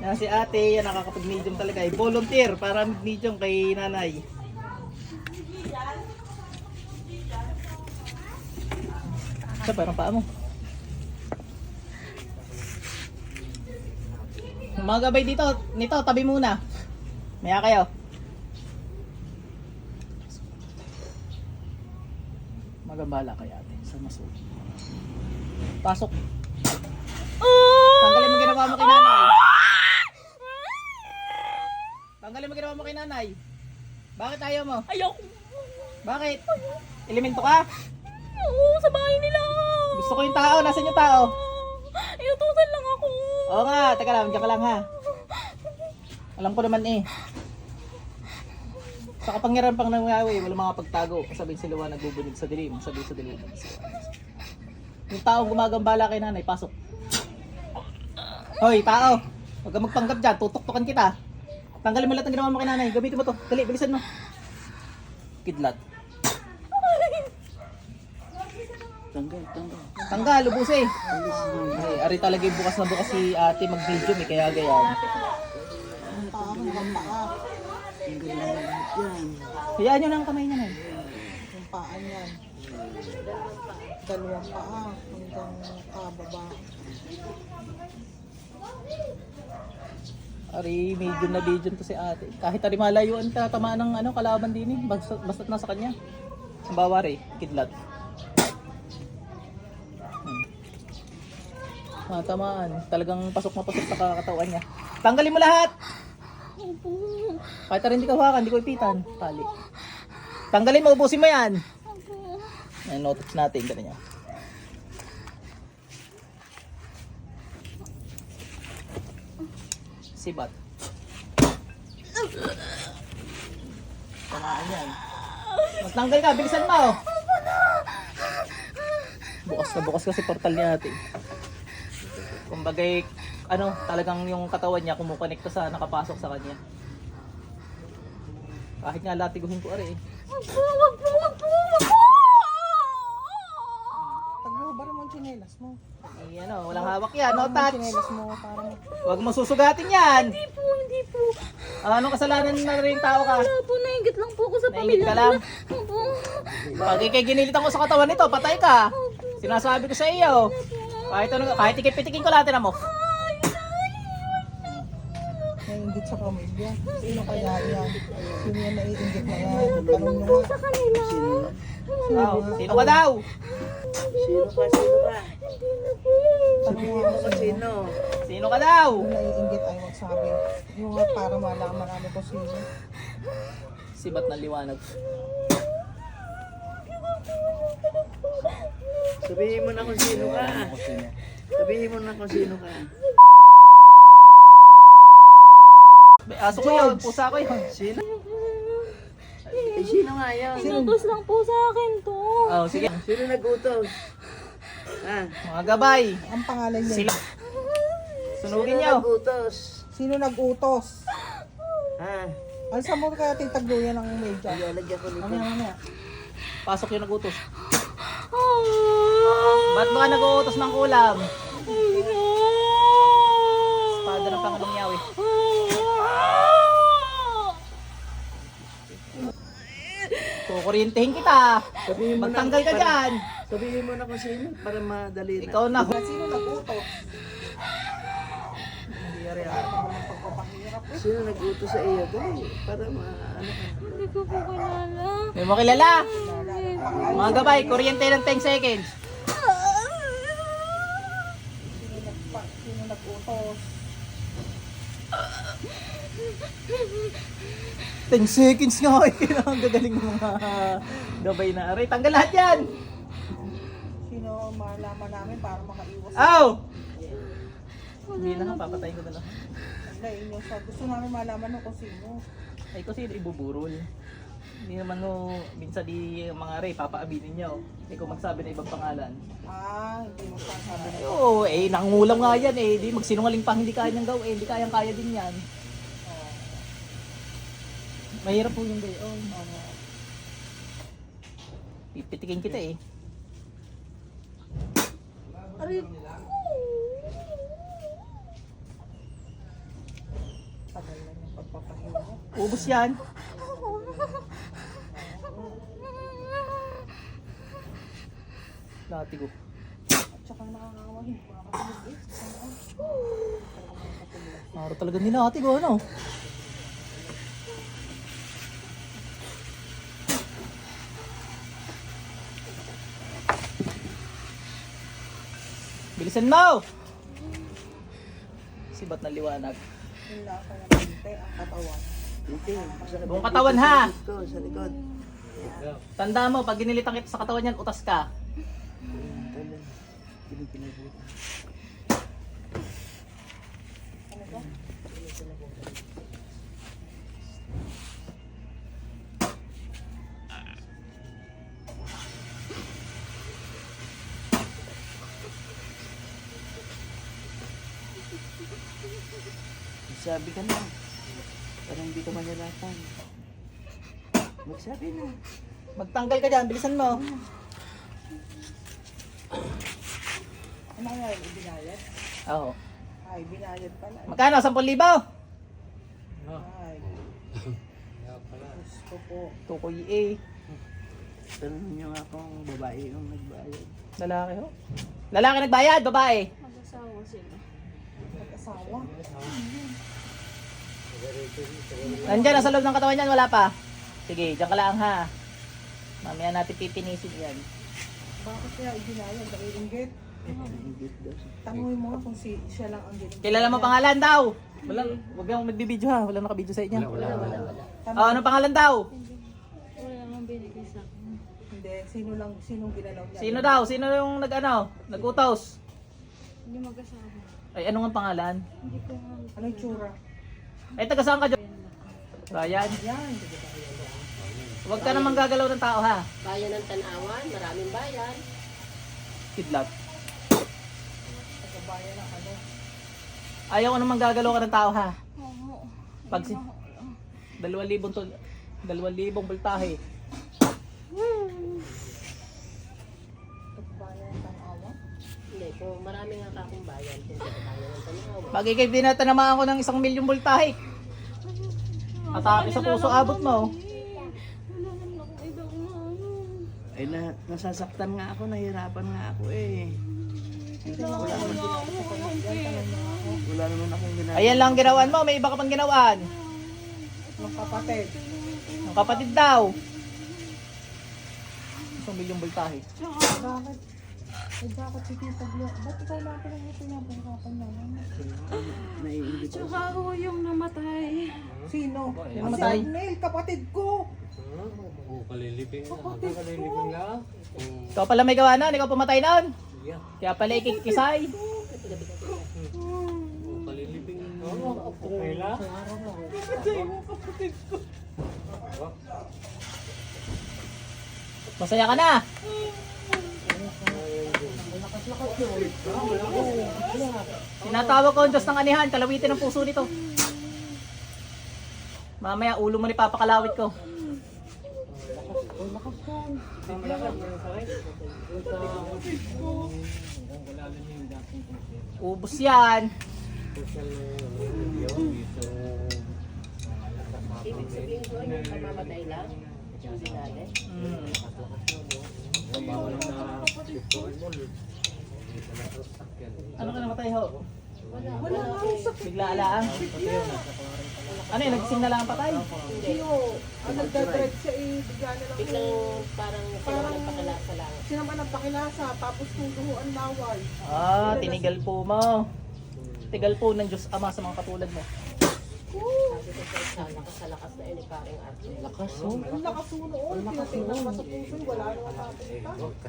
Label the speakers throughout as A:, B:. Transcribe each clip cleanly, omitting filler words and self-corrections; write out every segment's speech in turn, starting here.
A: Yan si ate, yan nakakapag-medium talaga. Volunteer para medium kay nanay. Sa parang paa mo. Mga gabay dito, nito, tabi muna. Maya kayo. Magambala kay ate sa maso. Pasok. Tanggalin mo ginawa mo kay nanay. Tanggalin mo ginawa mo kay nanay. Bakit ayaw mo?
B: Ayoko.
A: Bakit? Elemento ka?
B: Oo, sa bahay nila.
A: Gusto ko yung tao. Nasaan yung tao?
B: Iutusan lang ako.
A: Oo nga. Teka lang. Diyan ka lang ha. Alam ko naman eh. Sa kapangyarihan pang nangyayari, wala mga pagtago. Sabihin si Luwa nagbubunig sa dilim. Sabihin sa dilim. Yung taong gumagambala kay nanay, pasok. Hoy, tao. Huwag kang magpanggap dyan. Tutok-tukan kita. Tanggalin mo lahat ng ginawa mo kay nanay. Gamitin mo to. Dali, bilisan mo. Kidlat. Tanggal, ubus eh. Ay, ari talaga yung bukas na bukas si ate mag-medium eh, kaya gayan. Hayaan nyo na ang kamay niya na.
C: Yung paa niyan. Dalawang paa hanggang baba.
A: Ari, medium na medium to si ate. Kahit ari malayuan ka, tamaan ng ano, kalaban din eh. Basta't nasa kanya. Ang bawari, kidlat. Tamaan. Talagang pasok na pasok sa kakatawan niya. Tanggalin mo lahat! Kahit rin hindi ka hawakan, hindi ko ipitan. Tali. Tanggalin mo, ubusin mo yan. Ayan, notice natin. Ganyan. Sibat. Tamaan yan. Magtanggal ka, bilisan mo. Bukas na bukas kasi portal niya natin. Kumbagay, ano, talagang yung katawan niya kumukonekta sa nakapasok sa kanya. Kahit nga latiguhin ko ari eh.
B: Wag po.
C: Paglubar mo ang tsinelas mo.
A: Ay, ano, walang hawak yan, no touch.
C: Tsinelas mo para mo.
A: Huwag mo susugatin yan.
B: Hindi po.
A: Anong kasalanan na rin tao ka?
B: Wala po, nainggit lang po ako sa
A: Nainggit
B: pamilya
A: ka lang?
B: nila. Opo.
A: Pag ikay ginilitan ko sa katawan nito, patay ka. Sinasabi ko sa iyo. Kahit ikipitikin ko lahat na mo.
C: Naiingit sa pamilya. Sino kaya yan? Sino yan naiingit na yan?
B: Nainggit
C: Tanong
B: lang
C: nyo
B: po
C: nga.
B: sa kanila.
A: Oh, sino ka daw?
B: Hindi na po.
C: Tanong nga kung sino.
A: Sino ka daw?
C: Yung naiingit ay magsabi. Yung nga para malaman namin kung sino.
A: Sibat ng liwanag.
D: Sabihin mo na kung sino ka. Sabihin mo na kung sino ka.
A: May aso ko yun, pusa ko yun.
D: Sino? Eh, sino nga yan?
B: Inutos lang po sa akin to.
A: Oh, sige.
D: Sino nag-utos? Ha?
A: Mga gabay.
C: Ang pangalan niya.
A: Sila. Sunugin
D: Sino
A: niyo.
D: nag-utos?
C: Sino nag-utos?
D: Ha?
C: Alsa mo kaya titagluyan ng media.
D: Ay, lagyan ko nito.
A: Mamaya. Pasok yung nagutos. Ba't ba ka nag-uutos ng ulam? Espada ng Pangulong Yahweh. Kukuryentihin kita.
D: Sabihin mo na.
A: Magtanggal ka dyan.
D: Sabihin mo na kung sino para madali na.
A: Ikaw na.
C: Sino nag-utos?
D: Sino nag-utos sa iyo? Dali, para ano ka.
B: Hindi ko po kilala.
A: May mo kilala. Mga gabay, kuryente ng 10 seconds.
C: Sino nag-utos?
A: 10 seconds nga eh. Ang gagaling ng mga gabay na aray. Tanggal lahat yan.
C: Sino malaman namin para makaiwas?
A: Aw! Hindi na nga, papatayin ko na lang.
C: Wala, inyo sa gusto namin malaman kung sino.
A: Ay kasi ibuburol. Hindi naman no, minsan di mga aray, papaaminin niyo. Hindi ko magsabi na ibang pangalan.
C: Hindi mo sasabi na.
A: Oo, eh, nangungulam nga yan eh. Di magsinungaling pa hindi kaya niyang gawin. Hindi kayang kaya din yan. Mahirap po yung gayon. Pipitikin kita eh.
B: Aray.
A: Ubus yan. Latigo.
C: Tsaka nakakawahin.
A: Maro talaga nila latigo, ano? Bilisan mo! Sibat na liwanag.
C: Wala ka ng binte ang katawan.
D: Hindi.
A: Buong katawan, ha?
D: Sa likod.
A: Tanda mo, pag ginilitan kita sa katawan yan, utas ka.
D: Sabi ka na. Parang hindi ka manalatan. Magsabi na.
A: Magtanggal ka dyan, bilisan mo.
C: Ano kaya yung binayad?
A: Oo.
C: Ay, binayad pala.
A: Magkano? 10,000?
C: Ay. Gusto po.
A: Tukoy eh.
D: Tanong niyo nga kung babae yung nagbayad.
A: Lalaki ho. Lalaki nagbayad, babae.
B: Mag-asawa sila.
C: Mag-asawa.
A: Nandyan, nasa loob ng katawan yan, wala pa. Sige, dyan ka lang ha. Mamaya natin pipinisin yan.
C: Bakit kaya ibinayad? Naiinggit?
D: Ingit daw siya.
C: Tanungin mo nga kung siya lang ang ginagawa.
A: Kilala mo pangalan daw? Wala, wag kang magbibideo ha. Wala nakabideo sa inyo.
B: Wala.
A: Oh, anong pangalan daw?
B: Wala namang binigay sa akin.
C: Hindi, sinong ginalaw niya?
A: Sino daw? Sino yung nag-utos?
B: Hindi mag-asawa.
A: Ay, ano nga pangalan?
B: Hindi ko nga.
C: Ano yung tsura?
A: Ay, taga saan ka dyan? Ryan.
C: Yan.
A: Huwag ka namang gagalaw ng tao ha.
E: Bayan ng Tanawan, maraming bayan.
A: Kidlat.
C: Pagkabayan ng ano.
A: Ayaw ko namang gagalaw ka ng tao ha.
B: Oo.
A: Pag si 2,000 to 2,000 voltahe.
C: Pagkabayan ng Tanawa.
E: Hindi, kung maraming nga akong bayan, kung sa bayan ng Tanawan.
A: Pag ikay binatanamaan ko ng 1,000,000 voltahe. Atake sa puso abot mo.
B: Wala naman akong ibang ano.
D: Ay, nasasaktan nga ako, nahirapan nga ako eh. Wala naman akong ginagawa.
A: Ayan lang ginawan mo, may iba ka pang ginawaan.
C: Ng kapatid.
A: Ang kapatid daw. 1,000,000 voltahe.
C: Bakit? Ay, bakit si Tita Glo? Ba't ikaw lang pinag-hirapan naman?
D: Naiingit ako.
B: Tsaka ako yung namatay.
C: Sino?
A: Yung
C: Si
A: namatay?
C: Arnel, kapatid ko.
A: Ikaw pala may gawa nun, ikaw pumatay nun. Kaya pala ikikisay. Masaya ka na. Tinatawag ko ang Diyos ng anihan, kalawitin ang puso nito. Mamaya ulo mo ni papakalawit ko. Ubus yan.
E: Ibig sabihin ko, yung kamamatay lang, yung dinali.
A: Ano ka namatay ho?
C: Wala nga ang sakit.
A: Bigla alaang. Ano yun, nagising na lang ang patay?
C: Sino? Ang nagdadred siya eh, bigla na lang.
E: Biglang parang sinaman ng pakalasa lang.
C: Sinaman ang pakilasa, tapos tuduho ang laway.
A: Ah, tinigal po mo. Tigal po ng Diyos Ama sa mga katulad mo.
E: Sabi ko sa lakas na yun, paring arte.
D: Lakas
C: Ang lakas mo noon, tinatingnan pa sa puso, wala naman napunta.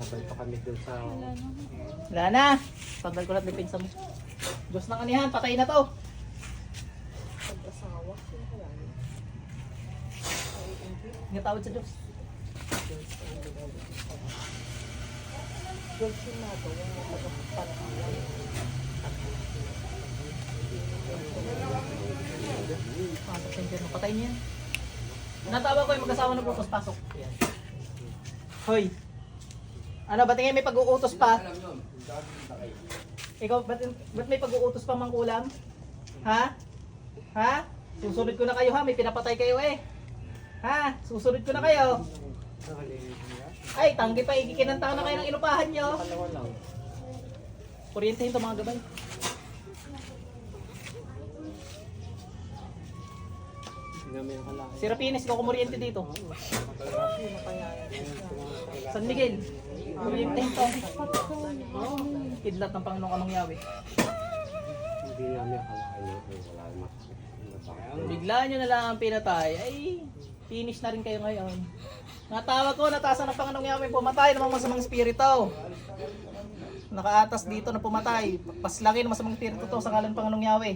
A: Wala na. Tanggal ko lahat ng pinsa mo. Diyos ng anihan, patay na to.
C: Pag-asawa, sino kaya yun?
A: Ngatawad sa Diyos.
C: Diyos yung nagawa, tagapagpanalan.
A: Pasok sa inyo. Patay niya yan. Natawag ko yung mag-asawa na bukas pasok. Yan. Hoy. Ano, ba't ngayon may pag-uutos pa? Ikaw, ba't may pag-uutos pa mangkulam? Ha? Ha? Susunod ko na kayo ha, may pinapatay kayo eh. Ha? Susunod ko na kayo. Ay, tanggi pa, ikikinantaw na kayo ng inupahan nyo. Kuryentehin to mga gabay. Si Rapines, ikaw kumuryente dito. San Miguel, kuryentehin to. Kidlat ng Panginoong Anong Yahweh.
D: Hindi namin akalain na wala mas.
A: Bigla nyo na lang ang pinatay, ay finish na rin kayo ngayon. Natawag ko, natasan ng Panginoong Yahweh, pumatay ng mga masamang spirito. Nakaatas dito na pumatay. Paslangin ng masamang spirito to sa ngalan ng Panginoong Yahweh.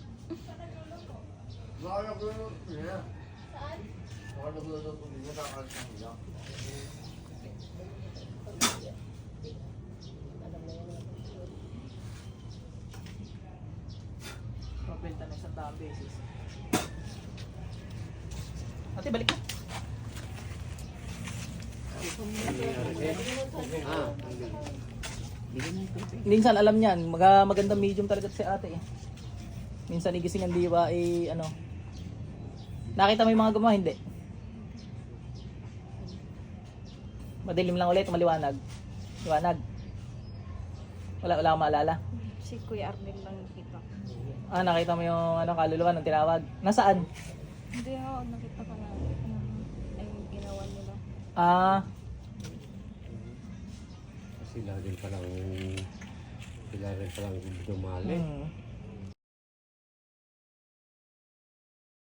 A: Mabenta na 100 beses. Ate, balik na. Minsan alam niyan, magandang medium talaga si ate eh. Minsan igising ang diwa eh ano. Nakita mo yung mga gumawa, hindi? Madilim lang ulit, maliwanag. Liwanag. Wala akong maalala.
B: Si Kuya Arnel lang nakita.
A: Ah, nakita mo yung ano, kaluluwa ng tinawag. Nasaan?
B: Hindi ako, nakita ko na ay ginawa nila.
A: Ah,
D: Sila rin palang dumali.
A: hmm.